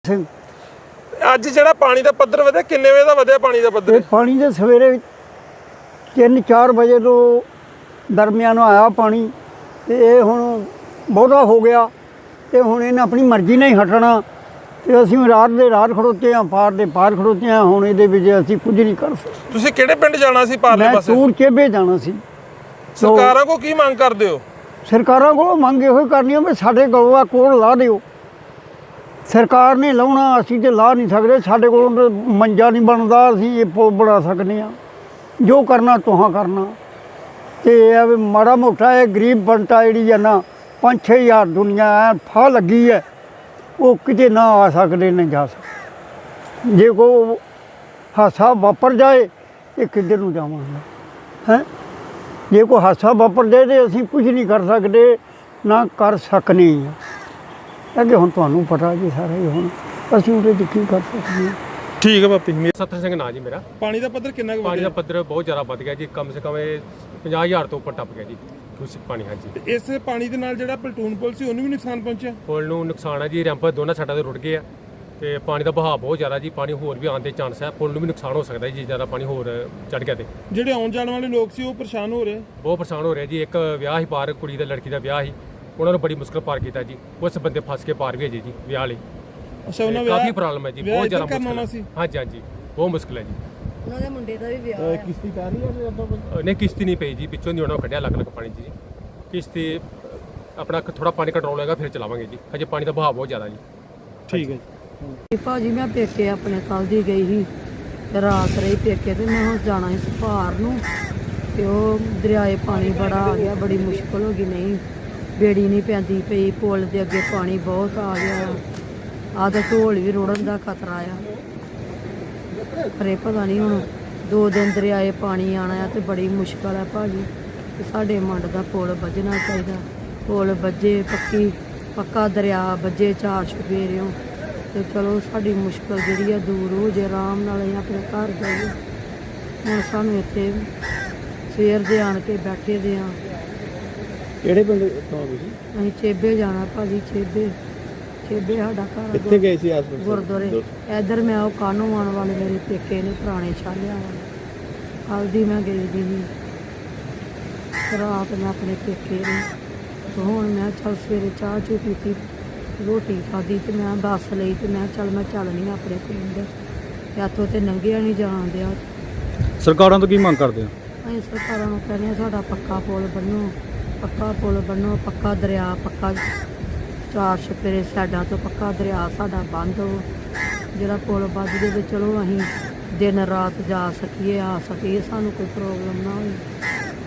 ਸਿੰਘ ਅੱਜ ਜਿਹੜਾ ਪਾਣੀ ਦਾ ਪੱਧਰ ਵਧਿਆ, ਕਿੰਨੇ ਵਜੇ ਦਾ ਵਧਿਆ ਪਾਣੀ ਦਾ ਪੱਧਰ? ਇਹ ਪਾਣੀ ਦੇ ਸਵੇਰੇ 3-4 ਵਜੇ ਤੋਂ ਦਰਮਿਆਨ ਆਇਆ ਪਾਣੀ ਤੇ ਇਹ ਹੁਣ ਬਹੁਤਾ ਹੋ ਗਿਆ ਤੇ ਹੁਣ ਇਹਨੇ ਆਪਣੀ ਮਰਜ਼ੀ ਨਾਲ ਹੀ ਹਟਣਾ ਤੇ ਅਸੀਂ ਰਾਤ ਦੇ ਰਾਤ ਖੜੋਤੇ ਹਾਂ, ਪਾਰ ਦੇ ਪਾਰ ਖੜੋਤੇ ਹਾਂ। ਹੁਣ ਇਹਦੇ ਵਿੱਚ ਅਸੀਂ ਕੁਝ ਨਹੀਂ ਕਰ ਸਕਦੇ। ਤੁਸੀਂ ਕਿਹੜੇ ਪਿੰਡ ਜਾਣਾ ਸੀ ਪਾਰਲੇ ਮੈਂ ਪਾਸੇ? ਟੂਰ ਚੇਬੇ ਜਾਣਾ ਸੀ। ਸਰਕਾਰਾਂ ਕੋ ਕੀ ਮੰਗ ਕਰਦੇ ਹੋ? ਸਰਕਾਰਾਂ ਕੋਲੋਂ ਮੰਗ ਇਹੋ ਹੀ ਕਰਨੀ ਵੀ ਸਾਡੇ ਕੋਲ ਕੋਲ ਲਾ ਦਿਓ। ਸਰਕਾਰ ਨੇ ਲਾਉਣਾ, ਅਸੀਂ ਤੇ ਲਾ ਨਹੀਂ ਸਕਦੇ। ਸਾਡੇ ਕੋਲੋਂ ਮੰਜਾ ਨਹੀਂ ਬਣਦਾ, ਅਸੀਂ ਇਹ ਪੁਲ ਬਣਾ ਸਕਦੇ ਹਾਂ। ਜੋ ਕਰਨਾ ਤੁਹਾਂ ਕਰਨਾ ਤੇ ਇਹ ਵੀ ਮਾੜਾ ਮੋਟਾ ਇਹ ਗਰੀਬ ਬੰਟਾ ਜਿਹੜੀ ਹੈ ਨਾ 5-6 ਹਜ਼ਾਰ ਦੁਨੀਆ ਐ ਫਾਹ ਲੱਗੀ ਹੈ, ਉਹ ਕਿਤੇ ਨਾ ਆ ਸਕਦੇ ਨਾ ਜਾ ਸਕਦੇ। ਜੇ ਕੋਈ ਹਾਦਸਾ ਵਾਪਰ ਜਾਏ ਇਹ ਕਿੱਧਰ ਨੂੰ ਜਾਵਾਂਗੇ ਹੈਂ? ਜੇ ਕੋਈ ਹਾਦਸਾ ਵਾਪਰ ਜਾਏ ਤਾਂ ਅਸੀਂ ਕੁਝ ਨਹੀਂ ਕਰ ਸਕਦੇ, ਨਾ ਕਰ ਸਕਨੇ ਹਾਂ। ਅੱਗੇ ਹੁਣ ਤੁਹਾਨੂੰ ਪਤਾ ਜੀ ਸਾਰਾ ਹੀ, ਹੁਣ ਅਸੀਂ ਉਹਦੇ 'ਚ ਕੀ ਕਰ ਸਕਦੇ ਹਾਂ। ਠੀਕ ਹੈ ਬਾਪੀ। ਸੱਤਰ ਸਿੰਘ ਨਾਂ ਜੀ ਮੇਰਾ। ਪਾਣੀ ਦਾ ਪੱਧਰ ਕਿੰਨਾ ਕੁ ਪਾਣੀ ਦਾ ਪੱਧਰ ਬਹੁਤ ਜ਼ਿਆਦਾ ਵੱਧ ਗਿਆ ਜੀ, ਕਮ ਸੇ ਕਮ 50,000 ਤੋਂ ਉੱਪਰ ਟੱਪ ਗਿਆ ਜੀ ਪਾਣੀ। ਹਾਂਜੀ, ਇਸ ਪਾਣੀ ਦੇ ਨਾਲ ਜਿਹੜਾ ਪਲਟੂਨ ਪੁਲ ਸੀ ਉਹਨੂੰ ਵੀ ਨੁਕਸਾਨ ਪਹੁੰਚਿਆ? ਪੁਲ ਨੂੰ ਨੁਕਸਾਨ ਹੈ ਜੀ, ਰੈਂਪ ਦੋਨਾਂ ਸਾਈਡਾਂ ਤੇ ਰੁੜ ਗਏ ਆ ਤੇ ਪਾਣੀ ਦਾ ਵਹਾਅ ਬਹੁਤ ਜ਼ਿਆਦਾ ਜੀ, ਪਾਣੀ ਹੋਰ ਵੀ ਆਉਣ ਦੇ ਚਾਂਸ ਹੈ। ਪੁਲ ਨੂੰ ਵੀ ਨੁਕਸਾਨ ਹੋ ਸਕਦਾ ਜੀ, ਜ਼ਿਆਦਾ ਪਾਣੀ ਹੋਰ ਚੜ ਗਿਆ ਤੇ ਜਿਹੜੇ ਆਉਣ ਜਾਣ ਵਾਲੇ ਲੋਕ ਸੀ ਉਹ ਪਰੇਸ਼ਾਨ ਹੋ ਰਹੇ? ਬਹੁਤ ਪਰੇਸ਼ਾਨ ਹੋ ਰਿਹਾ ਜੀ। ਇੱਕ ਵਿਆਹ ਹੀ ਪਾਰ, ਕੁੜੀ ਦਾ ਲੜਕੀ ਦਾ ਵਿਆਹ ਸੀ, ਉਹਨਾਂ ਨੂੰ ਬੜੀ ਮੁਸ਼ਕਲ ਪਾਰ ਕੀਤਾ ਜੀ। ਉਸ ਬੰਦੇ ਫਸ ਕੇ ਪਾਰ ਵੀ ਹੈ ਜੀ ਵਿਆਹ ਲਈ। ਅੱਛਾ, ਉਹਨਾਂ ਕਾਫੀ ਪ੍ਰੋਬਲਮ ਹੈ ਜੀ, ਬਹੁਤ ਜ਼ਿਆਦਾ ਮੁਸ਼ਕਲ ਸੀ। ਹਾਂਜੀ ਹਾਂਜੀ, ਬਹੁਤ ਮੁਸ਼ਕਲ ਹੈ ਜੀ। ਉਹਨਾਂ ਦੇ ਮੁੰਡੇ ਦਾ ਵੀ ਵਿਆਹ ਹੈ। ਕਿਸ਼ਤੀ ਪੈ ਰਹੀ ਹੈ? ਨਹੀਂ, ਕਿਸ਼ਤੀ ਨਹੀਂ ਪਈ ਜੀ, ਪਿੱਛੋਂ ਦੀ ਉਹਨਾਂ ਕੱਢਿਆ ਲੱਗ ਪਾਣੀ ਜੀ। ਕਿਸ਼ਤੀ ਆਪਣਾ ਥੋੜਾ ਪਾਣੀ ਕੰਟਰੋਲ ਹੋਏਗਾ ਫਿਰ ਚਲਾਵਾਂਗੇ ਜੀ, ਹਜੇ ਪਾਣੀ ਦਾ ਵਹਾਅ ਬਹੁਤ ਜ਼ਿਆਦਾ ਜੀ। ਠੀਕ ਹੈ ਭਾਜੀ ਮੈਂ ਪੇਕੇ ਆਪਣੇ ਕੱਲ ਦੀ ਗਈ ਸੀ ਤੇ ਰਾਤ ਰਹੀ ਪੇਕੇ ਤੇ ਮੈਂ ਹੁਣ ਜਾਣਾ ਸੀ ਸੁਭਾਰ ਨੂੰ ਤੇ ਉਹ ਦਰਿਆਏ ਪਾਣੀ ਬੜਾ ਆ ਗਿਆ, ਬੜੀ ਮੁਸ਼ਕਲ ਹੋ ਗਈ। ਨਹੀਂ ਬੇੜੀ ਨਹੀਂ ਪੈਂਦੀ ਪਈ, ਪੁਲ ਦੇ ਅੱਗੇ ਪਾਣੀ ਬਹੁਤ ਆ ਗਿਆ, ਆਹ ਤਾਂ ਢੋਲ ਵੀ ਰੁੜਨ ਦਾ ਖਤਰਾ ਆ। ਪਰ ਇਹ ਪਤਾ ਨਹੀਂ ਹੁਣ 2 ਦਿਨ ਦਰਿਆਏ ਪਾਣੀ ਆਣਾ ਆ ਤੇ ਬੜੀ ਮੁਸ਼ਕਲ ਹੈ ਭਾਜੀ। ਤੇ ਸਾਡੇ ਮੰਡ ਦਾ ਪੁਲ ਵੱਜਣਾ ਚਾਹੀਦਾ, ਪੁਲ ਵੱਜੇ ਪੱਕਾ ਦਰਿਆ ਵੱਜੇ 4 ਚੁਫੇਰਿਓਂ ਤੇ ਚਲੋ ਸਾਡੀ ਮੁਸ਼ਕਲ ਜਿਹੜੀ ਆ ਦੂਰ ਹੋ ਜੇ, ਆਰਾਮ ਨਾਲ ਅਸੀਂ ਆਪਣੇ ਘਰ ਜਾਈਏ। ਹੁਣ ਸਾਨੂੰ ਇੱਥੇ ਸਵੇਰ ਦੇ ਆਣ ਕੇ ਬੈਠੇ ਦੇ ਆ। ਕਿਹੜੇ ਪਿੰਡ ਤੋਂ ਤੁਸੀਂ? ਅਸੀਂ ਚੇਬੇ ਜਾਣਾ ਭਾਜੀ, ਚੇਬੇ ਸਾਡਾ ਘਰ। ਕਿੱਥੇ ਗਏ ਸੀ ਆਸ-ਪਾਸ? ਗੁਰਦੁਆਰੇ ਇੱਧਰ ਮੈਂ ਉਹ ਕਾਨੂੰ ਆਉਣ ਵਾਲੇ ਮੇਰੇ ਪੇਕੇ ਨੇ, ਪੁਰਾਣੇ ਛਾਲਿਆਂ ਵਾਲੇ। ਕੱਲ੍ਹ ਦੀ ਮੈਂ ਗਈ ਦੀ ਸੀ, ਰਾਤ ਮੈਂ ਆਪਣੇ ਪੇਕੇ ਨੇ ਤੇ ਹੁਣ ਮੈਂ ਚੱਲ ਸਵੇਰੇ ਚਾਹ ਚੂ ਪੀਤੀ, ਰੋਟੀ ਖਾਧੀ ਤੇ ਮੈਂ ਬੱਸ ਲਈ ਤੇ ਮੈਂ ਚੱਲਣੀ ਆਪਣੇ ਪਿੰਡ ਤੇ ਇੱਥੋਂ ਤੇ ਨੰਗਿਆ ਨਹੀਂ ਜਾਣ ਦਿਆ। ਸਰਕਾਰਾਂ ਤੋਂ ਕੀ ਮੰਗ ਕਰਦੇ ਹੋ? ਅਸੀਂ ਸਰਕਾਰਾਂ ਨੂੰ ਕਹਿੰਦੇ ਹਾਂ ਸਾਡਾ ਪੱਕਾ ਪੁਲ ਬਣੋ, ਪੱਕਾ ਦਰਿਆ, ਪੱਕਾ 4 ਚੁਫੇਰੇ ਸਾਈਡਾਂ ਤੋਂ ਪੱਕਾ ਦਰਿਆ ਸਾਡਾ ਬੰਦ ਹੋ। ਜਿਹੜਾ ਪੁਲ ਵੱਜ ਜੇ ਤੇ ਚਲੋ ਅਸੀਂ ਦਿਨ ਰਾਤ ਜਾ ਸਕੀਏ, ਆ ਸਕੀਏ, ਸਾਨੂੰ ਕੋਈ ਪ੍ਰੋਬਲਮ ਨਾ ਹੋਵੇ।